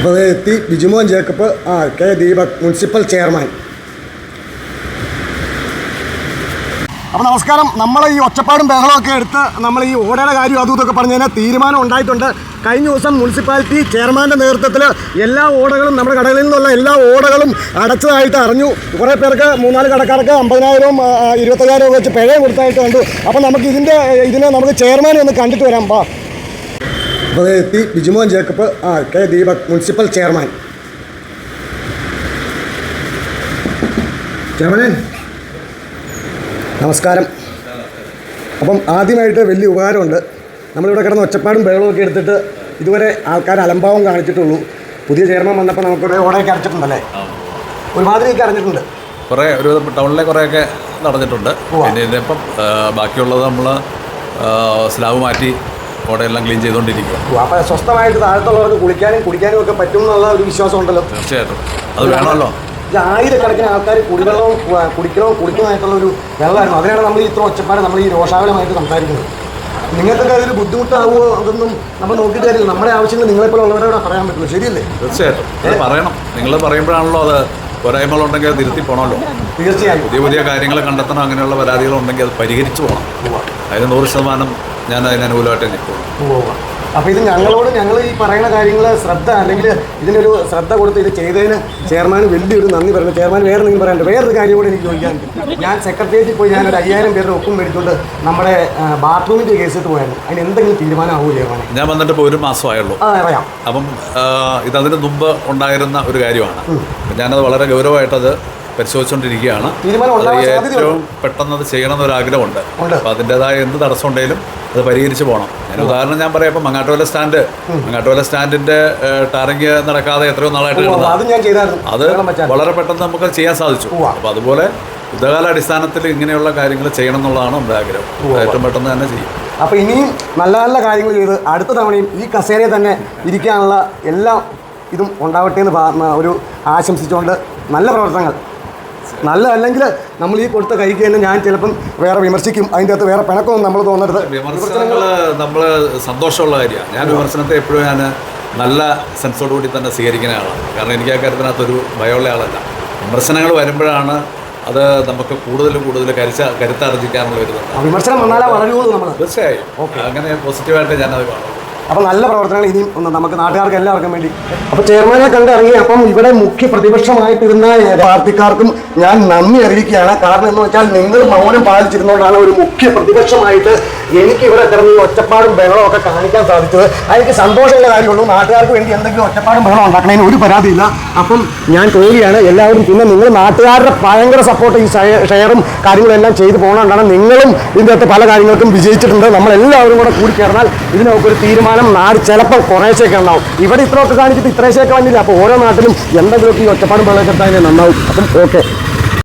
അപ്പോൾ എത്തി Bijumon Jacob K Deepak municipal chairman. അപ്പോൾ നമസ്കാരം. നമ്മൾ ഈ ഒച്ചപ്പാടും ബഹളമൊക്കെ എടുത്ത് നമ്മൾ ഈ ഓടയുടെ കാര്യം അതും ഇതൊക്കെ പറഞ്ഞു കഴിഞ്ഞാൽ തീരുമാനം ഉണ്ടായിട്ടുണ്ട്. കഴിഞ്ഞ ദിവസം മുനിസിപ്പാലിറ്റി ചെയർമാൻ്റെ നേതൃത്വത്തിൽ എല്ലാ ഓടകളും നമ്മുടെ കടകളിൽ നിന്നുള്ള എല്ലാ ഓടകളും അടച്ചതായിട്ട് അറിഞ്ഞു. കുറേ പേർക്ക് 3-4 കടക്കാർക്ക് 50,000 25,000 വെച്ച് പിഴ കൊടുത്തായിട്ട് കണ്ടു. അപ്പോൾ നമുക്ക് ഇതിനെ നമുക്ക് ചെയർമാനെ ഒന്ന് കണ്ടിട്ട് വരാം. അപ്പോൾ എത്തി Bijumon Jacob K Deepak municipal chairman. ചെയർമാനെ നമസ്കാരം. അപ്പം ആദ്യമായിട്ട് വലിയ ഉപകാരമുണ്ട്. നമ്മളിവിടെ കിടന്ന് ഒച്ചപ്പാടും ബഹളമൊക്കെ എടുത്തിട്ട് ഇതുവരെ ആൾക്കാർ അലംഭാവം കാണിച്ചിട്ടുള്ളൂ. പുതിയ ചെയർമാൻ വന്നപ്പോൾ നമുക്കിവിടെ ഓടയൊക്കെ അടച്ചിട്ടുണ്ടല്ലേ? ഒരുമാതിരിയൊക്കെ അറിഞ്ഞിട്ടുണ്ട്. കുറേ ഒരു ടൗണിലെ കുറേയൊക്കെ നടന്നിട്ടുണ്ട്. പിന്നെ ഇതിപ്പം ബാക്കിയുള്ളത് നമ്മൾ സ്ലാബ് മാറ്റി ഓടയെല്ലാം ക്ലീൻ ചെയ്തുകൊണ്ടിരിക്കുക. അപ്പോൾ സ്വസ്ഥമായിട്ട് താഴത്തുള്ളവർക്ക് കുളിക്കാനും കുടിക്കാനും ഒക്കെ പറ്റും എന്നുള്ള ഒരു വിശ്വാസം ഉണ്ടല്ലോ. തീർച്ചയായിട്ടും അത് വേണമല്ലോ. ആയിരക്കണക്കിന് ആൾക്കാർ കുടിക്കുന്നതായിട്ടുള്ള ഒരു വെള്ളമായിരുന്നു. അതിനാണ് നമ്മൾ ഇത്ര ഒച്ചപ്പാട് നമ്മൾ ഈ രോഷാകുലമായിട്ട് സംസാരിക്കുന്നത്. നിങ്ങൾക്കൊക്കെ അതൊരു ബുദ്ധിമുട്ടാവുമോ അതൊന്നും നമ്മൾ നോക്കിയിട്ട് കാര്യമില്ല. നമ്മുടെ ആവശ്യങ്ങൾ നിങ്ങളെപ്പോലെ ഉള്ളവരോട് പറയാൻ പറ്റുള്ളൂ. ശരിയല്ലേ? തീർച്ചയായിട്ടും അത് പറയണം. നിങ്ങൾ പറയുമ്പോഴാണല്ലോ അത് പോരായ്മകളുണ്ടെങ്കിൽ അത് തിരുത്തി പോകണമല്ലോ. തീർച്ചയായും പുതിയ കാര്യങ്ങൾ കണ്ടെത്തണം. അങ്ങനെയുള്ള പരാതികളുണ്ടെങ്കിൽ അത് പരിഹരിച്ചു പോകണം. അതിന് 100% ഞാൻ അതിന് അനുകൂലമായിട്ട് നിൽക്കും. അപ്പോൾ ഇത് ഞങ്ങൾ ഈ പറയുന്ന കാര്യങ്ങൾ ശ്രദ്ധ അല്ലെങ്കിൽ ഇതിനൊരു ശ്രദ്ധ കൊടുത്ത് ഇത് ചെയ്തതിന് ചെയർമാന് വലിയൊരു നന്ദി പറയുന്നു. ചെയർമാൻ വേറെ എന്തെങ്കിലും പറയാനുണ്ട്? വേറൊരു കാര്യം കൂടെ എനിക്ക് ചോദിക്കാനുണ്ട്. ഞാൻ സെക്രട്ടേറിയറ്റിൽ പോയി ഞാനൊരു 5,000 പേരുടെ ഒപ്പം മേടിച്ചുകൊണ്ട് നമ്മുടെ ബാത്റൂമിൻ്റെ കേസിട്ട് പോയായിരുന്നു. അതിന് എന്തെങ്കിലും തീരുമാനമാവുമോ ചെയർമാനെ? ഞാൻ വന്നിട്ട് ഇപ്പോൾ 1 മാസമായുള്ളൂ. അറിയാം. അപ്പം ഇതതിന് മുമ്പ് ഉണ്ടായിരുന്ന ഒരു കാര്യമാണ്. ഞാനത് വളരെ ഗൗരവമായിട്ടത് പരിശോധിച്ചുകൊണ്ടിരിക്കുകയാണ്. ഏറ്റവും പെട്ടെന്ന് അത് ചെയ്യണമെന്നൊരാഗ്രഹമുണ്ട്. അപ്പോൾ അതിൻ്റെതായ എന്ത് തടസ്സം ഉണ്ടെങ്കിലും അത് പരിഹരിച്ച് പോകണം. ഉദാഹരണം ഞാൻ പറയാം. ഇപ്പം മങ്ങാട്ടുവല സ്റ്റാൻഡിൻ്റെ ടാറിങ് നടക്കാതെ എത്രയോ നാളായിട്ട് അത് വളരെ പെട്ടെന്ന് നമുക്ക് ചെയ്യാൻ സാധിച്ചു. അപ്പോൾ അതുപോലെ യുദ്ധകാല അടിസ്ഥാനത്തിൽ ഇങ്ങനെയുള്ള കാര്യങ്ങൾ ചെയ്യണം എന്നുള്ളതാണ് നമ്മുടെ ആഗ്രഹം. ഏറ്റവും പെട്ടെന്ന് തന്നെ ചെയ്യും. അപ്പോൾ ഇനിയും നല്ല നല്ല കാര്യങ്ങൾ ചെയ്ത് അടുത്ത തവണയും ഈ കസേരയിൽ തന്നെ ഇരിക്കാനുള്ള എല്ലാ ഇതും ഉണ്ടാവട്ടെ എന്ന് ഒരു ആശംസിച്ചുകൊണ്ട് നല്ല പ്രവർത്തനങ്ങൾ. നല്ലതല്ലെങ്കിൽ നമ്മൾ ഈ കൊടുത്ത കൈക്ക് തന്നെ ഞാൻ ചിലപ്പം വേറെ വിമർശിക്കും. അതിൻ്റെ അകത്ത് വേറെ പിണക്കമൊന്നും നമ്മൾ തോന്നരുത്. വിമർശനങ്ങൾ നമ്മൾ സന്തോഷമുള്ള കാര്യമാണ്. ഞാൻ വിമർശനത്തെ എപ്പോഴും ഞാൻ നല്ല സെൻസോടുകൂടി തന്നെ സ്വീകരിക്കുന്ന ആളാണ്. കാരണം എനിക്ക് ആ കാര്യത്തിനകത്തൊരു ഭയമുള്ള ആളല്ല. വിമർശനങ്ങൾ വരുമ്പോഴാണ് അത് നമുക്ക് കൂടുതൽ കരുത്താർജിക്കാനുള്ള ഒരു വിമർശനം വന്നാലേ വളരുള്ളൂ നമ്മൾ. തീർച്ചയായും അങ്ങനെ പോസിറ്റീവായിട്ട് ഞാനത് കാണും. അപ്പോൾ നല്ല പ്രവർത്തനങ്ങൾ ഇനിയും നമുക്ക് നാട്ടുകാർക്ക് എല്ലാവർക്കും വേണ്ടി. അപ്പോൾ ചെയർമാനെ കണ്ടിറങ്ങി. അപ്പം ഇവിടെ മുഖ്യ പ്രതിപക്ഷമായിട്ടിരുന്ന പാർട്ടിക്കാർക്കും ഞാൻ നന്ദി അറിയിക്കുകയാണ്. കാരണം എന്ന് വെച്ചാൽ നിങ്ങൾ മൗനം പാലിച്ചിരുന്നുകൊണ്ടാണ് ഒരു മുഖ്യ പ്രതിപക്ഷമായിട്ട് എനിക്ക് ഇവിടെ കിടന്ന് ഈ ഒച്ചപ്പാടും ബഹളവും ഒക്കെ കാണിക്കാൻ സാധിച്ചത്. എനിക്ക് സന്തോഷമുള്ള കാര്യമുള്ളൂ. നാട്ടുകാർക്ക് വേണ്ടി എന്തെങ്കിലും ഒച്ചപ്പാടും ബഹളം ഉണ്ടാക്കണതിന് ഒരു പരാതിയില്ല. അപ്പം ഞാൻ പോവുകയാണ്. എല്ലാവരും പിന്നെ നിങ്ങൾ നാട്ടുകാരുടെ ഭയങ്കര സപ്പോർട്ട് ഈ ഷെയറും കാര്യങ്ങളെല്ലാം ചെയ്തു പോകുന്നതുകൊണ്ടാണ് നിങ്ങളും ഇതിൻ്റെ അകത്ത് പല കാര്യങ്ങൾക്കും വിജയിച്ചിട്ടുണ്ട്. നമ്മളെല്ലാവരും കൂടെ കൂടിച്ചേർന്നാൽ ഇതിനൊക്കെ ഒരു തീരുമാനം നാട് ചിലപ്പോൾ കുറേശ്ശൊക്കെ ഉണ്ടാവും. ഇവിടെ ഇത്രയൊക്കെ കാണിച്ചിട്ട് ഇത്രയൊക്കെ വന്നില്ല. അപ്പോൾ ഓരോ നാട്ടിലും എന്തെങ്കിലുമൊക്കെ ഈ ഒച്ചപ്പാടും ബഹളമൊക്കെ നന്നാവും. അപ്പം ഓക്കെ.